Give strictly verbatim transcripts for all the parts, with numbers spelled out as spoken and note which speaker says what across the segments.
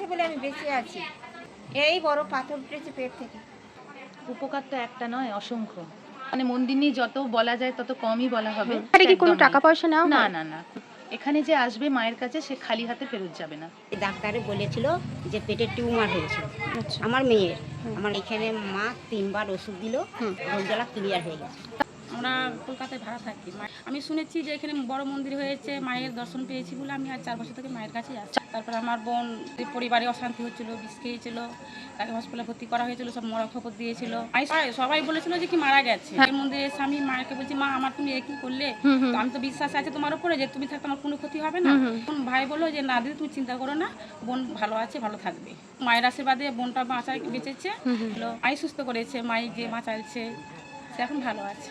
Speaker 1: আছে বলে আমি বেঁচে আছি। এই বড় পাথর উঠেছে পেট থেকে।
Speaker 2: উপকার তো একটা নয়, অসংখ্য। মানে মন্দির নিয়ে যত বলা যায় তত কমই বলা হবে।
Speaker 3: আরে কি কোনো টাকা পয়সা নাও?
Speaker 2: না না না, এখানে যে আসবে মায়ের কাছে সে খালি হাতে ফেরত যাবে না।
Speaker 4: ডাক্তারে বলেছিল যে পেটের টিউমার হয়েছিল আমার মেয়ের। আমার এখানে মা তিনবার ওষুধ দিল, রোগ জ্বালা ক্লিয়ার হয়ে গেছে।
Speaker 5: আমরা কলকাতায় ভাড়া থাকি। আমি শুনেছি যে এখানে বড় মন্দির হয়েছে, মায়ের দর্শন পেয়েছি বলে আমি আজ চার বছর থেকে মায়ের কাছেই আসছি। তারপর আমার বোন পরিবারে অশান্তি হচ্ছিল, বিষ খেয়েছিল, তাকে হসপিটালে ভর্তি করা হয়েছিল, সব মরা খবর দিয়েছিল। সবাই বলেছিল যে কি মারা গেছে। এই মন্দিরে এসে আমি মাকে বলছি, মা আমার তুমি এ কি করলে? তো আমি তো বিশ্বাস আছে তোমার উপরে যে তুমি থাকতে আমার কোনো ক্ষতি হবে না। ভাই বললো যে না দিদি তুমি চিন্তা করো না, বোন ভালো আছে, ভালো থাকবে। মায়ের আশীর্বাদে বোনটা বাঁচা বেঁচেছে, মাই সুস্থ করেছে, মাই যে বাঁচাইছে সে এখন ভালো আছে।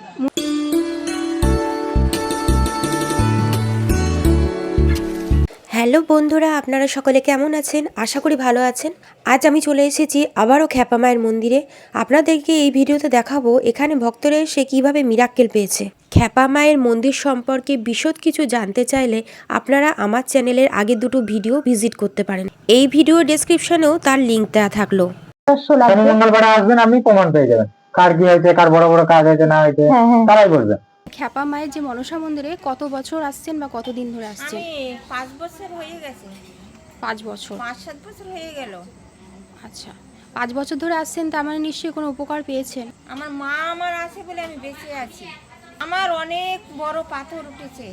Speaker 6: হ্যালো বন্ধুরা, আপনারা সকলে কেমন আছেন? আশা করি ভালো আছেন। আজ আমি চলে এসেছি আবারও খ্যাপা মায়ের মন্দিরে। আপনাদেরকে এই ভিডিওতে দেখাবো এখানে ভক্তরা এসে কীভাবে মিরাক্কেল পেয়েছে। খ্যাপা মায়ের মন্দির সম্পর্কে বিশদ কিছু জানতে চাইলে আপনারা আমার চ্যানেলের আগের দুটো ভিডিও ভিজিট করতে পারেন। এই ভিডিও ডেসক্রিপশনেও তার লিঙ্ক দেওয়া থাকলো।
Speaker 7: মঙ্গলবার আসবেন, আপনি প্রমাণ পেয়ে যাবেন কার কি হয়েছে, কার বড় বড় কাজ হয়েছে না হয়েছে তারাই বলবে।
Speaker 3: খ্যাপা মায়ের যে মনসা মন্দিরে কত বছর আসছেন বা কতদিন ধরে আসছেন?
Speaker 1: আমি পাঁচ বছর হয়ে গেছে।
Speaker 3: পাঁচ বছর
Speaker 1: পাঁচ সাত বছর হয়ে গেল।
Speaker 3: আচ্ছা, পাঁচ বছর ধরে আসছেন, তার মানে নিশ্চয়ই কোনো উপকার পেয়েছেন।
Speaker 1: আমার মা আমার আছে বলে আমি বেঁচে আছি। আমার অনেক বড় পাথর উঠেছে,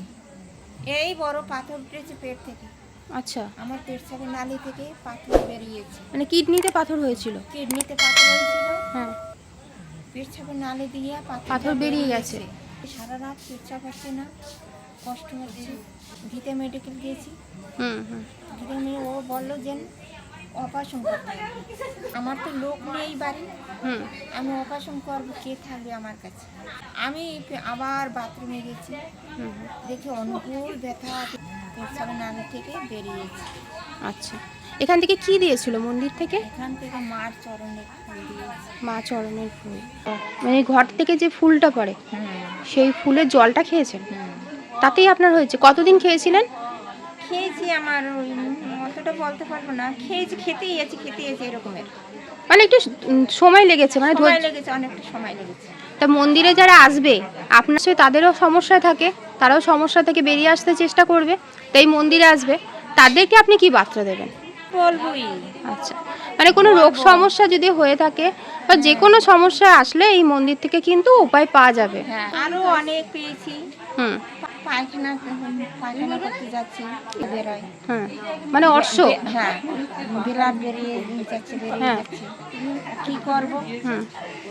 Speaker 1: এই বড় পাথর উঠেছে পেট থেকে।
Speaker 3: আচ্ছা,
Speaker 1: আমার পেটসাপের নালি থেকে পাথর বেরিয়েছে।
Speaker 3: মানে কিডনিতে পাথর হয়েছিল?
Speaker 1: কিডনিতে পাথর হয়েছিল,
Speaker 3: হ্যাঁ,
Speaker 1: পেটসাপের নালি দিয়ে
Speaker 3: পাথর বেরিয়ে গেছে।
Speaker 1: সারা রাত পেটসাপ হচ্ছে না, কষ্ট হচ্ছে। গীতা মেডিকেল গিয়েছি,
Speaker 3: হুম হুম
Speaker 1: গীতা মেয়ে ও বললো যে অপারেশন করতে হবে। আমার তো লোক নেই বাড়ি,
Speaker 3: হুম
Speaker 1: আমি অপারেশন করবো, কে থাকবে আমার কাছে? আমি আবার বাথরুমে গেছি, দেখি অনুকূল ব্যথা পেটসাপের নালি থেকে বেরিয়েছে।
Speaker 3: আচ্ছা, এখান থেকে কি দিয়েছিল মন্দির থেকে?
Speaker 1: এখান থেকে মার চরণে ফুল দিয়েছে।
Speaker 3: মা চরণের ফুল, মানে ঘর থেকে যে ফুলটা পড়ে সেই ফুলের জলটা খেয়েছেন, তাতেই আপনার হয়েছে? কতদিন খেয়েছিলেন?
Speaker 1: খেয়েছি, আমার ওই অতটা বলতে পারবো না, খেয়েছি, খেতেই আছি খেতেই আছি এরকমের।
Speaker 3: মানে একটু উম, সময় লেগেছে, মানে
Speaker 1: সময়
Speaker 3: ধৈর্য-
Speaker 1: লেগেছে, অনেকটা সময় লেগেছে।
Speaker 3: তা মন্দিরে যারা আসবে আপনার সাথে তাদেরও সমস্যা থাকে, তারাও সমস্যা থেকে বেরিয়ে আসতে চেষ্টা করবে, তাই মন্দিরে আসবে, তাদেরকে আপনি কি বার্তা দেবেন?
Speaker 1: বলবই।
Speaker 3: আচ্ছা, মানে কোনো রোগ সমস্যা যদি হয়ে থাকে বা যে কোনো সমস্যা আসলে এই মন্দির থেকে কিন্তু উপায় পাওয়া যাবে।
Speaker 1: হ্যাঁ, আরো অনেক পেয়েছি।
Speaker 3: হুম
Speaker 1: পায়খানা পায়খানা করতে যাচ্ছি, বেরোয়।
Speaker 3: হ্যাঁ, মানে অর্শ।
Speaker 1: হ্যাঁ, বিলাপ বেরিয়ে যাচ্ছে, বেরিয়ে
Speaker 3: হ্যাঁ।
Speaker 1: যাচ্ছে, কি করব?
Speaker 3: হুম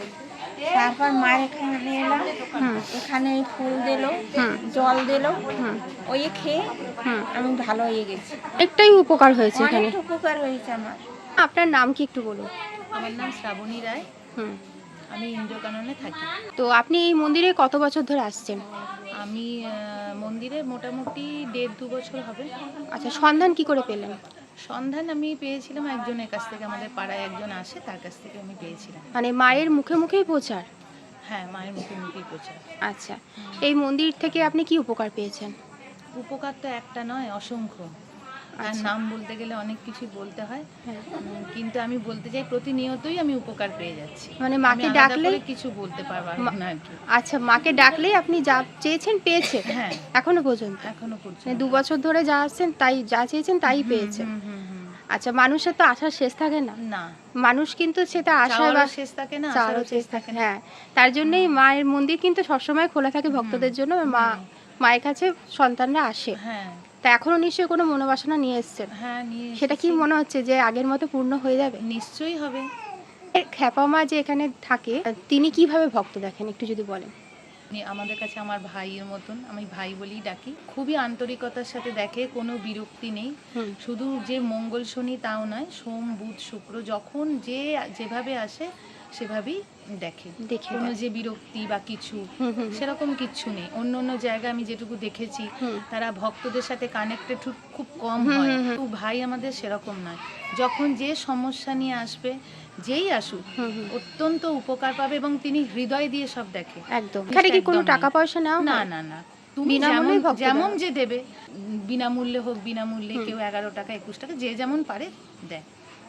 Speaker 1: তারপর মায়ের এখানে এলাম, এখানে ফুল দিলো, জল দিলো, ওই খেয়ে আমি ভালো হয়ে গেছি।
Speaker 3: একটাই উপকার হয়েছে এখানে।
Speaker 1: অনেক উপকার হয়েছে আমার।
Speaker 3: আপনার নাম কি একটু বলুন?
Speaker 2: আমার নাম শ্রাবণী রায়,
Speaker 3: হুম
Speaker 2: আমি ইন্দ্রকাননে থাকি।
Speaker 3: তো আপনি এই মন্দিরে কত বছর ধরে আসছেন?
Speaker 2: আমি আহ, মন্দিরে মোটামুটি দেড় দু বছর হবে।
Speaker 3: আচ্ছা, সন্ধান কি করে পেলেন?
Speaker 2: সন্ধান আমি পেয়েছিলাম একজনের কাছ থেকে, আমাদের পাড়ায় একজন আসে, তার কাছ থেকে আমি পেয়েছিলাম।
Speaker 3: মানে মায়ের মুখে মুখেই প্রচার?
Speaker 2: হ্যাঁ, মায়ের মুখে মুখেই প্রচার।
Speaker 3: আচ্ছা, এই মন্দির থেকে আপনি কি উপকার পেয়েছেন?
Speaker 2: উপকার তো একটা নয়, অসংখ্য। আর
Speaker 3: আচ্ছা।
Speaker 2: নাম বলতে গেলে অনেক কিছু বলতে হয়,
Speaker 3: হ্যাঁ।
Speaker 2: উম, কিন্তু আমি বলতে চাই প্রতিনিয়তই আমি উপকার পেয়ে যাচ্ছি।
Speaker 3: মানে
Speaker 2: আমি
Speaker 3: মাকে
Speaker 2: আলাদা
Speaker 3: ডাকলেই?
Speaker 2: করে কিছু বলতে পারবো না আর কি।
Speaker 3: আচ্ছা, মাকে ডাকলেই আপনি যা চেয়েছেন পেয়েছেন?
Speaker 2: হ্যাঁ,
Speaker 3: এখনো পর্যন্ত?
Speaker 2: এখনো পর্যন্ত
Speaker 3: মানে দু বছর ধরে যা আসছেন তাই যা চেয়েছেন তাই পেয়েছেন?
Speaker 2: হুম, হুম, হুম।
Speaker 3: আচ্ছা, মানুষের তো আশার শেষ থাকে না,
Speaker 2: না,
Speaker 3: মানুষ কিন্তু সেটা আশায় বা
Speaker 2: চাওয়ারও শেষ থাকে না,
Speaker 3: চাওয়ারও
Speaker 2: আশারও শেষ
Speaker 3: শেষ
Speaker 2: থাকে না।
Speaker 3: হ্যাঁ, তার জন্যই মায়ের মন্দির কিন্তু সবসময় খোলা থাকে ভক্তদের জন্য। মা মায়ের কাছে সন্তানরা আসে।
Speaker 2: হ্যাঁ
Speaker 3: তা এখনো নিশ্চয়ই কোনো মনোবাসনা নিয়ে এসেছেন,
Speaker 2: হ্যাঁ, নিয়ে
Speaker 3: সেটা কি
Speaker 2: এসেছি।
Speaker 3: মনে হচ্ছে যে আগের মতো পূর্ণ হয়ে যাবে?
Speaker 2: নিশ্চয়ই হবে।
Speaker 3: এর খ্যাপা মা যে এখানে থাকে তিনি কিভাবে ভক্ত দেখেন একটু যদি বলেন?
Speaker 2: উনি আমাদের কাছে আমার ভাইয়ের মতন, আমি ভাই বলেই ডাকি। খুবই আন্তরিকতার সাথে দেখে, কোনো বিরক্তি নেই।
Speaker 3: হুম।
Speaker 2: শুধু যে মঙ্গল শনি তাও নয়, সোম বুধ শুক্র যখন যে যেভাবে আসে সেভাবেই দেখে,
Speaker 3: দেখে
Speaker 2: কোনো
Speaker 3: দেয়।
Speaker 2: যে বিরক্তি বা কিছু
Speaker 3: হুম হুম
Speaker 2: সেরকম কিচ্ছু নেই। অন্য অন্য জায়গায় আমি যেটুকু দেখেছি
Speaker 3: হুম।
Speaker 2: তারা ভক্তদের সাথে কানেক্টেড খুব কম
Speaker 3: হুম,
Speaker 2: হয়,
Speaker 3: হুম, হুম।
Speaker 2: তো ভাই আমাদের সেরকম নয়। যখন যে সমস্যা নিয়ে আসবে, যেই আসুক,
Speaker 3: হুম, হুম।
Speaker 2: অত্যন্ত উপকার পাবে এবং তিনি হৃদয় দিয়ে সব দেখে।
Speaker 3: একদম। এখানে কি কোনো
Speaker 2: একদম
Speaker 3: টাকা পয়সা নাও?
Speaker 2: না না না, তুমি
Speaker 3: বিনামূল্যেই
Speaker 2: যেমন
Speaker 3: ভক্ত
Speaker 2: যেমন
Speaker 3: দেওয়া।
Speaker 2: যে দেবে, বিনামূল্যে হোক বিনামূল্যে, কেউ এগারো টাকা একুশ টাকা যে যেমন পারে দেয়।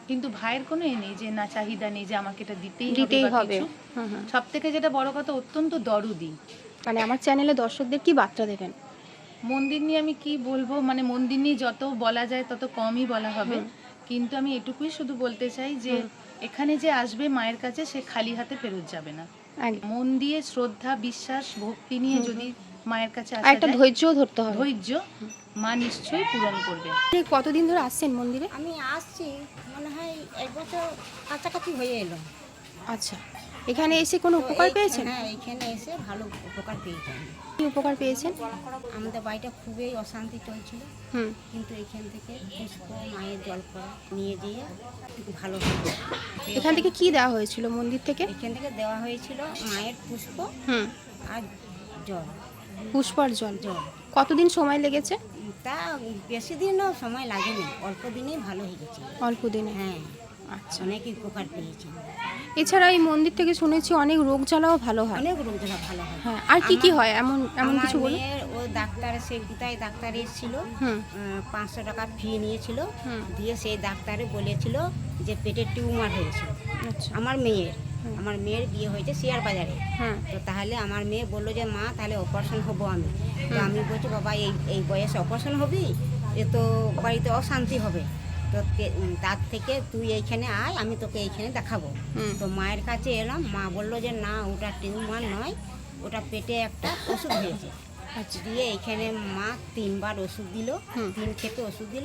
Speaker 2: কিন্তু ভাইয়ের কোনো এ নেই যে না চাহিদা নেই যে আমাকে এটা দিতেই
Speaker 3: দিতেই
Speaker 2: হবে
Speaker 3: হবে।
Speaker 2: হবে
Speaker 3: হুম হুম।
Speaker 2: সব থেকে যেটা বড় কথা অত্যন্ত দরদি।
Speaker 3: মানে আমার চ্যানেলে দর্শকদের কি বার্তা দেবেন?
Speaker 2: মন্দির নিয়ে আমি কি বলবো, মানে মন্দির নিয়ে যত বলা যায় তত কমই বলা হবে, কিন্তু আমি এটুকুই শুধু বলতে চাই যে এখানে যে আসবে মায়ের কাছে সে খালি হাতে ফেরত যাবে না।
Speaker 3: একদম।
Speaker 2: মন দিয়ে শ্রদ্ধা, বিশ্বাস, ভক্তি নিয়ে যদি মায়ের কাছে
Speaker 3: আর
Speaker 2: আসা
Speaker 3: একটা
Speaker 2: যায়,
Speaker 3: ধৈর্যও ধরতে হবে।
Speaker 2: ধৈর্য, মা নিশ্চয়ই পূরণ করবে।
Speaker 3: আপনি কতদিন ধরে আসছেন মন্দিরে?
Speaker 4: আমি আসছি মনে হয় এক বছর কাছাকাছি হয়ে এলো।
Speaker 3: আচ্ছা, এখানে এসে কোনো
Speaker 4: তো
Speaker 3: উপকার
Speaker 4: এই-
Speaker 3: পেয়েছেন?
Speaker 4: হ্যাঁ, এখানে এসে ভালো উপকার পেয়েছি আমি।
Speaker 3: কি উপকার পেয়েছেন?
Speaker 4: আমাদের বাড়িটা খুবই অশান্তি চলছিল,
Speaker 3: হুম।
Speaker 4: কিন্তু এখান থেকে পুষ্প মায়ের জল করা নিয়ে দিয়ে ভালো হলো।
Speaker 3: এখান থেকে কি দেওয়া হয়েছিল মন্দির থেকে?
Speaker 4: এখান থেকে দেওয়া হয়েছিল মায়ের পুষ্প
Speaker 3: হুম।
Speaker 4: আর জল
Speaker 3: পুষ্পর জল।
Speaker 4: জল
Speaker 3: কতদিন সময় লেগেছে?
Speaker 4: তা বেশি দিনও সময় লাগেনি, অল্প দিনেই ভালো হয়ে গেছে।
Speaker 3: অল্প দিনে।
Speaker 4: হ্যাঁ,
Speaker 3: আচ্ছা।
Speaker 4: অনেক উপকার পেয়েছি।
Speaker 3: এছাড়া এই মন্দির থেকে শুনেছি অনেক রোগ জ্বালাও ভালো হয়।
Speaker 4: অনেক রোগটা ভালো হয়।
Speaker 3: হ্যাঁ, আর কি কি
Speaker 4: আমার-
Speaker 3: হয় এমন এমন
Speaker 4: আমার
Speaker 3: কিছু বলুন?
Speaker 4: মেয়ের ও ডাক্তার, সে কোথায় ডাক্তার এসেছিল,
Speaker 3: হুম।
Speaker 4: পাঁচশো টাকা ফি নিয়েছিল,
Speaker 3: হুম।
Speaker 4: দিয়ে সেই ডাক্তারে বলেছিল যে পেটের টিউমার হয়েছিল
Speaker 3: আচ্ছা।
Speaker 4: আমার মেয়ের। আমার মেয়ের বিয়ে হয়েছে শেয়ার বাজারে।
Speaker 3: হ্যাঁ।
Speaker 4: তো তাহলে আমার মেয়ে বললো যে মা তাহলে অপারেশন হবো আমি। তো আমি বলছি বাবা এই এই বয়সে অপারেশন হবি, এ তো বাড়িতে অশান্তি হবে, তো তে- উম, তার থেকে তুই এইখানে আয়, আমি তোকে এইখানে দেখাবো।
Speaker 3: হুম।
Speaker 4: তো মায়ের কাছে এলাম, মা বললো যে না ওটা টিউমার নয়, ওটা পেটে একটা ওষুধ হয়েছে। দিয়ে এইখানে মা তিনবার ওষুধ দিল,
Speaker 3: হুম।
Speaker 4: তিন খেতে ওষুধ দিল,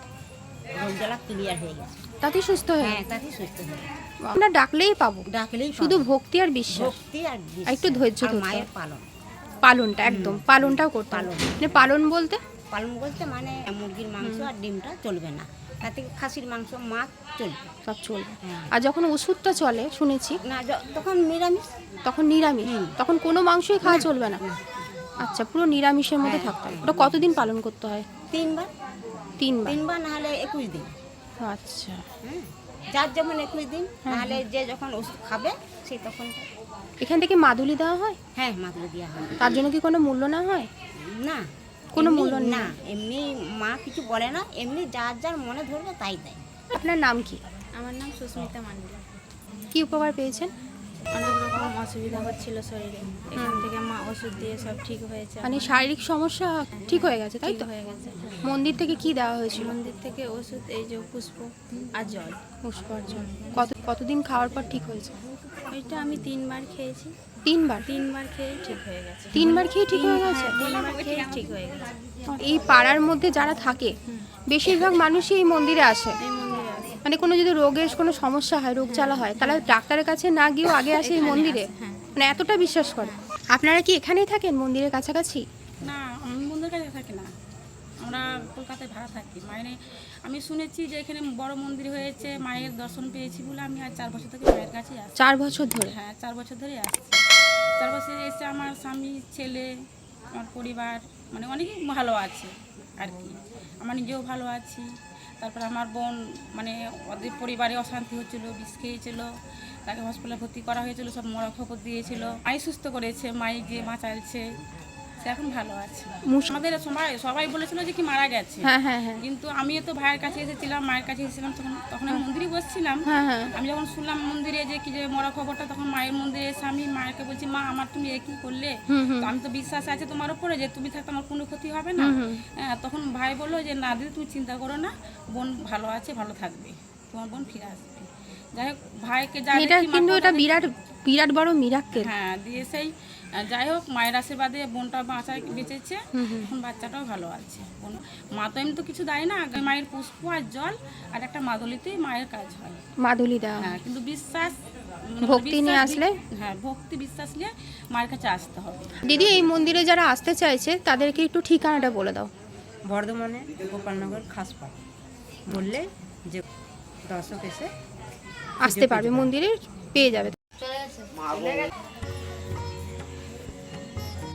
Speaker 4: রোগ জ্বালা ক্লিয়ার হয়ে গেছে।
Speaker 3: তাতে সুস্থ হয়ে
Speaker 4: হ্যাঁ, তাতেই সুস্থ হয়ে গেছে।
Speaker 3: আমরা ডাকলেই পাবো,
Speaker 4: ডাকলেই
Speaker 3: শুধু
Speaker 4: পাবো।
Speaker 3: ভক্তি আর বিশ্বাস।
Speaker 4: ভক্তি আর বিশ্বাস।
Speaker 3: একটু ধৈর্য
Speaker 4: আর
Speaker 3: ধরতে
Speaker 4: মায়ের
Speaker 3: হবে।
Speaker 4: পালন।
Speaker 3: পালনটা একদম, পালনটাও করতে হবে।
Speaker 4: পালন।
Speaker 3: মানে পালন বলতে
Speaker 4: পালন বলতে মানে মুরগির মাংস আর ডিমটা চলবে না, তাতে খাসির মাংস, মাছ চলবে।
Speaker 3: সব চলবে।
Speaker 4: হ্যাঁ।
Speaker 3: আর যখন ওষুধটা চলে শুনেছি
Speaker 4: না য- তখন নিরামিষ।
Speaker 3: তখন নিরামিষ,
Speaker 4: হুম।
Speaker 3: তখন কোনো মাংসই খাওয়া চলবে না।
Speaker 4: না।
Speaker 3: আচ্ছা, পুরো নিরামিষের মধ্যে
Speaker 4: হ্যাঁ,
Speaker 3: থাকতে হবে।
Speaker 4: হ্যাঁ।
Speaker 3: ওটা কতদিন পালন করতে হয়?
Speaker 4: তিনবার
Speaker 3: তিনবার।
Speaker 4: তিনবার না হলে একুশ দিন।
Speaker 3: আচ্ছা।
Speaker 4: হ্যাঁ, যার যেমন একুশ দিন, নাহলে যে যখন ওষুধ খাবে সেই তখন।
Speaker 3: এখান থেকে মাদুলি দেওয়া হয়?
Speaker 4: হ্যাঁ, মাদুলি দেওয়া হয়।
Speaker 3: তার জন্য কি কোনো মূল্য না হয়?
Speaker 4: না,
Speaker 3: কোনো
Speaker 4: এমনি-
Speaker 3: মূল্য নেই?
Speaker 4: না, এমনি মা কিছু বলে না, এমনি যার যার মনে ধরবে তাই দেয়।
Speaker 3: আপনার নাম কি?
Speaker 8: আমার নাম সুস্মিতা মান্ডি।
Speaker 3: কি উপকার পেয়েছেন?
Speaker 8: অনেক রকম অসুবিধা হচ্ছিল শরীরে, এখান থেকে মা ওষুধ দিয়ে সব ঠিক হয়েছে।
Speaker 3: মানে শারীরিক সমস্যা ঠিক হয়ে গেছে, তাই
Speaker 8: ঠিক
Speaker 3: তো?
Speaker 8: হয়ে গেছে।
Speaker 3: মন্দির থেকে কি দেওয়া হয়েছিল?
Speaker 8: মন্দির থেকে ওষুধ, এই যে পুষ্প আর জল,
Speaker 3: পুষ্পর জল। কত কতদিন খাওয়ার পর ঠিক হয়েছে?
Speaker 8: ওইটা আমি তিনবার খেয়েছি।
Speaker 3: তিনবার?
Speaker 8: তিনবার খেয়ে ঠিক হয়ে গেছে।
Speaker 3: তিনবার খেয়ে ঠিক হয়ে গেছে?
Speaker 8: হ্যাঁ, তিনবার খেয়ে ঠিক হয়ে গেছে।
Speaker 3: এই পাড়ার মধ্যে যারা থাকে বেশিরভাগ মানুষই এই মন্দিরে আসে।
Speaker 8: এই মন্দিরে আছে।
Speaker 3: মানে কোনো যদি রোগের কোনো সমস্যা হয়, রোগ জ্বালা হয়, তাহলে ডাক্তারের কাছে না গিয়েও আগে আসে এই মন্দিরে।
Speaker 8: হ্যাঁ।
Speaker 3: মানে এতটা বিশ্বাস করে। আপনারা কি এখানেই থাকেন মন্দিরের কাছাকাছি?
Speaker 5: না, আমি বন্ধুর কাছে থাকি না, আমরা কলকাতায় ভাড়া থাকি। মানে আমি শুনেছি যে এখানে বড় মন্দির হয়েছে, মায়ের দর্শন পেয়েছি বলে আমি আর চার বছর থেকে মায়ের কাছেই আসছি।
Speaker 3: চার বছর ধরে?
Speaker 5: হ্যাঁ, চার বছর ধরে আসছি। চার বছর এসে আমার স্বামী, ছেলে, আমার পরিবার মানে অনেকেই ভালো আছে আর কি। আমার নিজেও ভালো আছি। তারপর আমার বোন মানে ওদের পরিবারে অশান্তি হচ্ছিলো, বিষ খেয়েছিল, তাকে হসপিটালে ভর্তি করা হয়েছিল, সব মরা খবর দিয়েছিল। মাই সুস্থ করেছে, মাই যে বাঁচাইছে, সে এখন ভালো আছে।
Speaker 3: মুস-
Speaker 5: আমাদের সবাই সবাই বলেছিল যে কি মারা গেছে,
Speaker 3: হ্যাঁ হ্যাঁ হ্যাঁ
Speaker 5: কিন্তু আমিও তো ভাইয়ের কাছে এসেছিলাম, মায়ের কাছে এসেছিলাম, তখন তখন আমি মন্দিরে বসছিলাম।
Speaker 3: হ্যাঁ হ্যাঁ
Speaker 5: আমি যখন শুনলাম মন্দিরে যে কি যে মরা খবরটা, তখন মায়ের মন্দিরে এসে আমি মায়েরকে বলছি, মা আমার তুমি এ কি করলে?
Speaker 3: হুম হুম
Speaker 5: তো আমি তো বিশ্বাস আছে তোমার উপরে যে তুমি থাকতে আমার কোনো ক্ষতি হবে না। হ্যাঁ, তখন ভাই বললো যে না দিদি তুমি চিন্তা করো না, বোন ভালো আছে, ভালো থাকবে, তোমার বোন ফিরে আসবে। যাই হোক, ভাইকে যা
Speaker 3: এটা
Speaker 5: দেখি মা
Speaker 3: কিন্তু এটা
Speaker 5: কথা
Speaker 3: বিরাট বিরাট বড় মিরাক্কেল।
Speaker 5: হ্যাঁ দিয়ে সেই আহ, যাই হোক মায়ের আশীর্বাদে বোনটা বাঁচা বেঁচেছে, এখন বাচ্চাটাও ভালো আছে। বোন মা তো এমনি তো কিছু দেয় না, আগে মায়ের পুষ্প আর জল আর একটা মাদলিতেই মায়ের কাজ হয়।
Speaker 3: মাদুলি দেওয়া হয়।
Speaker 5: হ্যাঁ, কিন্তু বিশ্বাস মানে
Speaker 3: ভক্তি নিয়ে
Speaker 5: বিশ্বাস-
Speaker 3: আসলে?
Speaker 5: হ্যাঁ, ভক্তি বিশ্বাস নিয়ে মায়ের কাছে আসতে হবে।
Speaker 3: দিদি, এই মন্দিরে যারা আসতে চাইছে তাদেরকে একটু ঠিকানাটা বলে দাও।
Speaker 9: বর্ধমানে গোপালনগর খাসপাড় বললে যে দর্শক এসে
Speaker 3: আসতে পারবে, মন্দিরে পেয়ে যাবে।